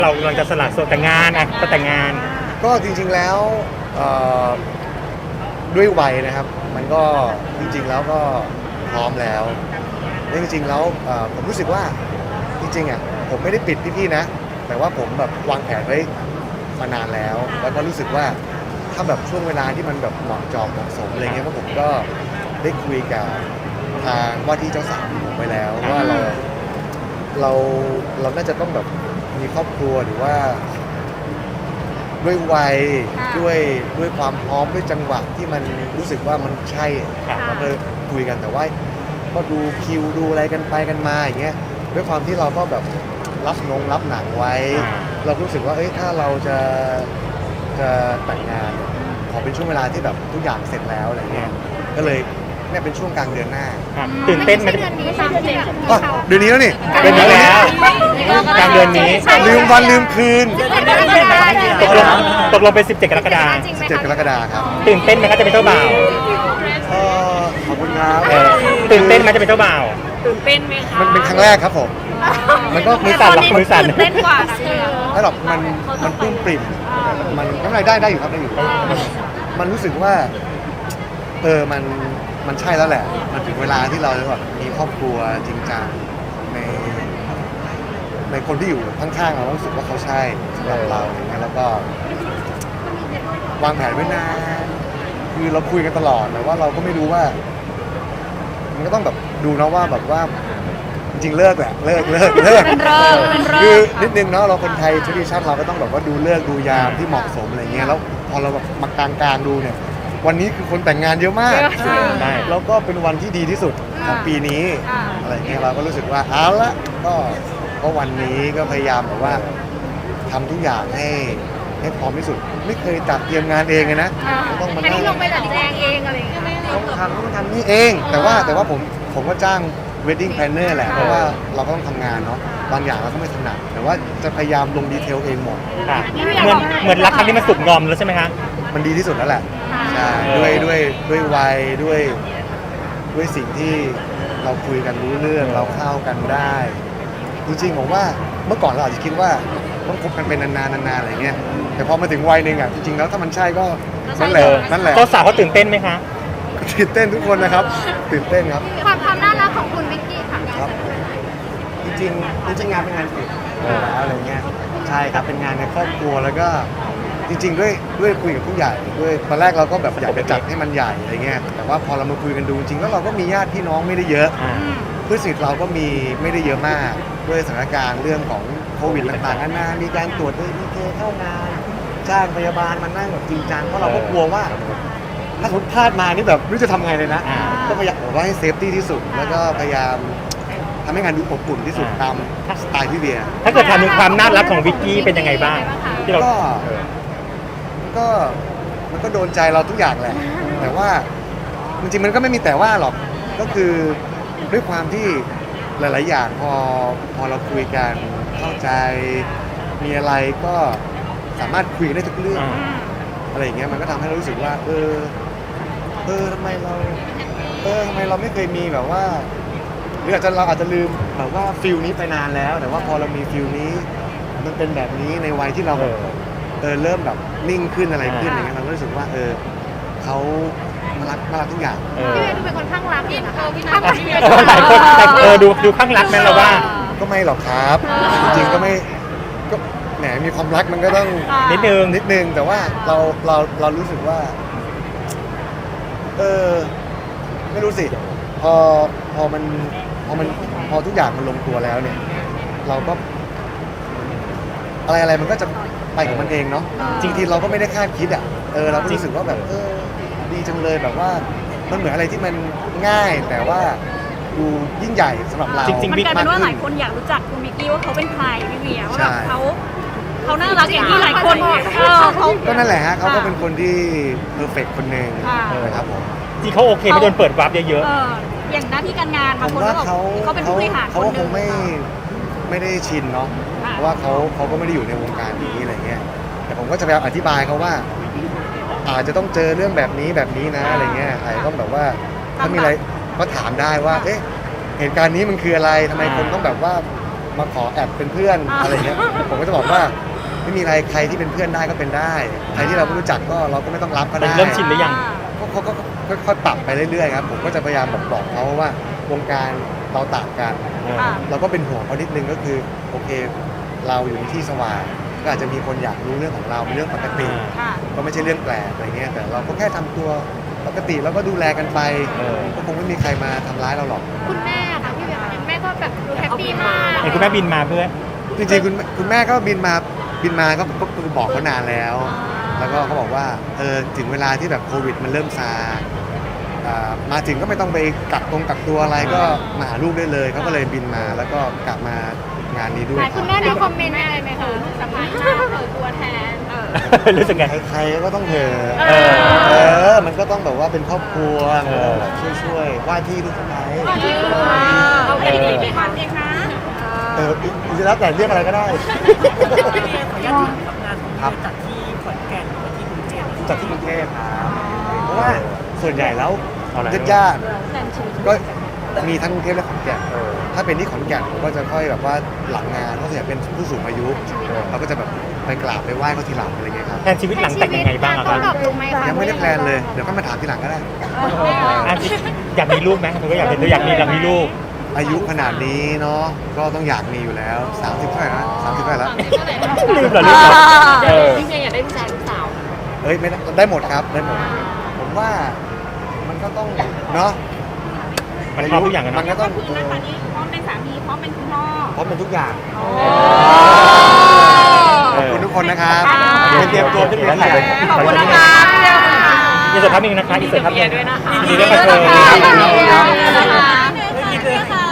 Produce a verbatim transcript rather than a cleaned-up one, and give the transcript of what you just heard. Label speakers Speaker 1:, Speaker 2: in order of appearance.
Speaker 1: เรากำลังจะสละโสดแต่งงานอ่ะจะแต่งงาน
Speaker 2: ก็จริงๆแล้วด้วยวัยนะครับมันก็จริงๆแล้วก็พร้อมแล้วและจริงๆแล้วผมรู้สึกว่าจริงๆอ่ะผมไม่ได้ปิดพี่ๆนะแต่ว่าผมแบบวางแผนไว้มานานแล้วแล้วก็รู้สึกว่าถ้าแบบช่วงเวลาที่มันแบบเหมาะจอมเหมาะสมอะไรเงี้ยก็ผมก็ได้คุยกับทางว่าที่เจ้าสาวผมไปแล้วว่าเราเราเราน่าจะต้องแบบมีครอบครัวหรือว่าด้วยวัยด้วยด้วยความพร้อมด้วยจังหวะที่มันรู้สึกว่ามันใช่เราก็คุยกันแต่ว่าก็ดูคิวดูอะไรกันไปกันมาอย่างเงี้ยด้วยความที่เราก็แบบรับนงรับหนังไว้เรารู้สึกว่าเอ้ยถ้าเราจะจะแต่งงานขอเป็นช่วงเวลาที่แบบทุกอย่างเสร็จแล้วอะไรเงี้ยก็เลยเนี่ยเป็นช่วงกลางเดือนหน้า
Speaker 1: ตื่นเต้นไหม
Speaker 3: เดือนนี้ตามเดือน
Speaker 2: เดือนนี้แล้วนี่
Speaker 1: เดือนนี้แล้วกลางเดือนนี้
Speaker 2: ลืมวันลืมคืน
Speaker 1: ตกลงตกลงเป็นสิบเจ็ดกรกฎาคม
Speaker 2: สิบเจ็ดกรกฎาคมครับ
Speaker 1: ตื่นเต้นไหมก็จะเป็นเจ้าบ่าว
Speaker 2: เออขอบคุณครับ
Speaker 1: ตื่นเต้นไหมจะเป็นเจ้าบ่าว
Speaker 3: ตื่นเต้นไหมคะ
Speaker 2: มันเป็นครั้งแรกครับผมมันก็
Speaker 1: มือสั่นหรอมือสั่น
Speaker 3: เต้นกว่านะ
Speaker 2: ไม่หรอกมันมันปลื้มปริ่มมันทำอะไรได้ได้อยู่ครับได้อยู่มันรู้สึกว่าเออมันมันใช่แล้วแหละมันถึงเวลาที่เราจะแบบมีครอบครัวจริงจังในในคนที่อยู่ข้างๆเรารู้สึกว่าเขาใช่สำหรับเราอย่างเงี้ยแล้วก็วางแผนไว้นานคือเราคุยกันตลอดแต่ว่าเราก็ไม่รู้ว่ามันก็ต้องแบบดูนะว่าแบบว่าจริงๆเลิกแหละเลิกเลิกเลิก
Speaker 3: เป็นเลิกเป็นเลิก
Speaker 2: คือนิดนึงเนาะเราคนไทยทรดิชั่นเราก็ต้องแบบว่าดูเลิกดูยามที่เหมาะสมอะไรเงี้ยแล้วพอเราแบบมากลางๆดูเนี่ยวันนี้คือคนแต่งงานเยอะมากแล้วก็เป็นวันที่ดีที่สุดของปีนี้อะไรเงี้ยเราก็รู้สึกว่าเอาละก็ก็วันนี้ก็พยายามแบบว่าทำทุกอย่างให้ให้พร้อมที่สุดไม่เคยจัดเตรียมงานเองเลยนะ
Speaker 3: ต้องมานั่งลงไปจัดแจงเองอะไรเงี้ยไม่
Speaker 2: ต้องทำต้องทำนี่เองแต่ว่าแต่ว่าผมผมก็จ้าง wedding planner แหละเพราะว่าเราก็ต้องทำงานเนาะบางอย่างเราก็ไม่ถนัดแต่ว่าจะพยายามลงดีเทลเองหมด
Speaker 1: เหมือนเหมือนรักครั้งนี้มันสุกงอมแล้วใช่ไหมคะ
Speaker 2: มันดีที่สุดแล้วแหละใช่ด้วยด้วยด้วยวัยด้วยด้วยสิ่งที่เราคุยกันรู้เรื่องเราเข้ากันได้จริงๆผมว่าเมื่อก่อนเราอาจจะคิดว่าต้องคบกันเป็นนานๆนานๆอะไรเงี้ยแต่พอมาถึงวัยหนึ่งอ่ะจริงๆแล้วถ้ามันใช่ก็นั่นแหละนั่นแหละ
Speaker 1: เจ้าสาวเขาตื่นเต้นไหมคะ
Speaker 2: ตื่นเต้นทุกคนนะครับตื่นเต้นครับ
Speaker 3: ความความน่ารักของคุณวิกกี้ค่ะ
Speaker 2: ครับจริงๆจริงๆงานเป็นงานปิดแล้วอะไรเงี้ยใช่ครับเป็นงานในครอบครัวแล้วก็จริงๆด้วยด้วยคุยกับผู้ใหญ่ด้วยตอนแรกเราก็แบบอยากจะจัดให้มันใหญ่อะไรเงี้ยแต่ว่าพอเรามาคุยกันดูจริงแล้วเราก็มีญาติพี่น้องไม่ได้เยอะเพื่อนสนิทเราก็มีไม่ได้เยอะมากด้วยสถานการณ์เรื่องของโควิดต่างๆนานามีการตรวจด้วยพีเคเข้างานจ้างพยาบาลมานั่งแบบจริงจังเพราะเราก็กลัวว่าถ้าสมมติพลาดมานี่แบบไม่รู้จะทำไงเลยนะก็พยายามว่าให้เซฟตี้ที่สุดแล้วก็พยายามทำให้งานดูอบอุ่นที่สุดตามสไตล์พี่เบียร์
Speaker 1: ถ้าเกิดถามถึงความน่ารักของวิกกี้เป็นยังไงบ้างที่เรา
Speaker 2: ก็ก็มันก็โดนใจเราทุกอย่างแหละแต่ว่าจริงๆมันก็ไม่มีแต่ว่าหรอกก็คือด้วยความที่หลายๆอย่างพอพอเราคุยกันเข้าใจมีอะไรก็สามารถคุยได้ทุกเรื่องอะไรอย่างเงี้ยมันก็ทำให้เรารู้สึกว่าเออเออทำไมเราเออทำไมเราไม่เคยมีแบบว่าหรืออาจจะเราอาจจะลืมแบบว่าฟิลนี้ไปนานแล้วแต่ว่าพอเรามีฟิลนี้มันเป็นแบบนี้ในวัยที่เราแบบเออเริ่มแบบนิ่งขึ้นอะไรขึ้นอย่างเงี้ยเราก็รู้สึกว่าเออเขาน่ารักน่ารักทุกอย่าง
Speaker 3: พี่เวย์ดูเป็นคนข้างรักพี่นะคะพี่ข้างรัก
Speaker 1: หลายคนแต่เออดูดูข้างรักแม่เราว่า
Speaker 2: ก็ไม่หรอกครับจริงๆก็ไม่ก็แหมมีความรักมันก็ต้อง
Speaker 1: นิดนึง
Speaker 2: นิดนึงแต่ว่าเราเราเรารู้สึกว่าเออไม่รู้สิพอพอมันพอมันพอทุกอย่างมันลงตัวแล้วเนี่ยเราก็อะไรอะไรมันก็จะไปของมันเองเนาะจริงๆเราก็ไม่ได้คาดคิดอ่ะเออเราก็รู้สึกว่าแบบเออดีจังเลยแบบว่ามันเหมือนอะไรที่มันง่ายแต่ว่าดูยิ่งใหญ่สำหรับเรา
Speaker 3: จริงๆมันกลายเป็นว่าหลายคนอยากรู้จักคุณวิกกี้ว่าเขาเป็นใครพี่เวียว่าแบบเขาเขาน่ารักอย่างที่หลายคนเออเขา
Speaker 2: ก็นั่นแหละฮะเขาก็เป็นคนที่เพอร์เฟกต์คนหนึ่งนะครับผม
Speaker 1: จริงเขาโอเคไม่โดนเปิดวาร์ปเยอะ
Speaker 3: ๆอย่างหน้าที่การงานบางคนก็บอกเขาเป็นผู้บริหาร
Speaker 2: เขาคงไม่ไม่ได้ชินเนาะเพราะว่าเขาเขาก็ไม่ได้อยู่ในวงการนี้อะไรเงี้ยแต่ผมก็จะพยายามอธิบายเขาว่าอาจจะต้องเจอเรื่องแบบนี้แบบนี้นะอะไรเงี้ยอาจจะต้องแบบว่าถ้ามีอะไรก็ถามได้ว่าเอ๊ะเหตุการณ์นี้มันคืออะไรทำไมคนต้องแบบว่ามาขอแอบเป็นเพื่อนอะไรเงี้ยผมก็จะบอกว่าไม่มีอะไรใครที่เป็นเพื่อนได้ก็เป็นได้ใครที่เราไม่รู้จักก็เราก็ไม่ต้องรับก็ได้
Speaker 1: เริ่มชินหรือยัง
Speaker 2: เขาเขาก็ค่อยๆปรับไปเรื่อยๆครับผมก็จะพยายามบอกบอกเขาว่าวงการเราต่างกัน
Speaker 3: ค่ะ
Speaker 2: เราก็เป็นห่วงเขานิดนึงก็คือโอเค เราอยู่ในที่สว่างก็อาจจะมีคนอยากรู้เรื่องของเราเป็นเรื่องปกติ
Speaker 3: ค่ะ
Speaker 2: ก็ไม่ใช่เรื่องแปลกอะไรเงี้ยแต่เราก็แค่ทำตัวปกติแล้วก็ดูแลกันไป
Speaker 1: เออ
Speaker 2: ก็คงไม่มีใครมาทำร้ายเราหรอก
Speaker 4: คุณแม่ค่ะพี่เวียคุณแม่ก็แบบดูแฮปปี้มาก
Speaker 1: เห็นคุณแม่บินมาเพื่อ
Speaker 2: จริงๆคุณคุณแม่ก็บินมาบินมาก็ก็ก็บอกเขานานแล้ว แล้วก็เขาบอกว่าเออถึงเวลาที่แบบโควิดมันเริ่มซาอ่ามาถึงก็ไม่ต้องไปกักตรงกักตัวอะไรก็มาหาลูกได้เลยเขาก็เลยบินมาแล้วก็กลับมางานนี้ด้วย
Speaker 4: คุณแม่มีคอมเมนต์อะไรไหมคะ
Speaker 3: ลูกสะพ้ายมาเปิดตัวแทน เออ
Speaker 1: รู้สึกไง
Speaker 2: ใครๆก็ต้องเหอะ
Speaker 1: เออ
Speaker 2: เออ มันก็ต้องแบบว่าเป็นครอบครัว
Speaker 1: เออ
Speaker 2: ช่วยช่วยๆว่าที่ลูกสะใภ้
Speaker 3: เราไม่ได้มีความเองนะ
Speaker 2: เอออิสระแต่เรียกอะไรก็ได้ ครับจัดที่ขอนแก่นที่กรุงเทพจัดที่กรุงเทพครับเพราะว่าส่วนใหญ่แล้ว
Speaker 1: เอาอะไร
Speaker 2: ญาติๆก็มีทั้งกรุงเทพและขอนแก่นถ้าเป็นที่ขอนแก่นผมก็จะค่อยแบบว่าหลังงานเพราะส่วนใหญ่เป็นผู้สูงอายุเราก็จะแบบไปกราบไปไหว้เขาทีหลังอะไรเงี้ยครับ
Speaker 1: แทนชีวิตหลังแต่งยังไงบ้างอะครับ
Speaker 4: ตอบลงไหมคะ
Speaker 2: ยังไม่ได้แพลนเลยเดี๋ยวก็มาถามทีหลังก็ได้
Speaker 1: อ่ะอยากมีลูกไหมเธอก็อยากเห็นเธออยากมีอยากมีลูก
Speaker 2: อายุขนาดนี้เนาะก็ต้องอยากมีอยู่แล้วสามสิบเท่าไหร่นะสามสิบเท่าไหร่แล้ว
Speaker 1: ลืมเหรอลืมเหรอเออ
Speaker 4: พี่เวียอยากได้ผู้ชายหรือสาว
Speaker 2: เอ้ยไม่ได้ได้หมดครับได้หมด ผมว่ามันก็ต้องเนาะ
Speaker 1: มันพร้อมทุกอย่างกัน
Speaker 2: มัน
Speaker 1: เน
Speaker 2: ก็
Speaker 1: อะ
Speaker 2: ต้อง
Speaker 3: คือนะคะนี้พร้อมเป็นสามีพร้อมเป็นคุณพ่อ
Speaker 2: พร้อมเป็นทุกอย่าง
Speaker 1: เอ
Speaker 2: ขอบคุณทุกคนนะครับ
Speaker 3: ค่ะ
Speaker 2: เตรียมตัวขึ้นเวทีเลย
Speaker 3: ขอบคุณนะคะพี่เดียวค่ะ
Speaker 1: อีกสักพักหนึ่งนะคะอีกสักพักหนึ่ง
Speaker 3: ด้วยนะคะ
Speaker 1: ยินดีด้วยค่ะเธอ
Speaker 3: ยินดีด้วยนะคะ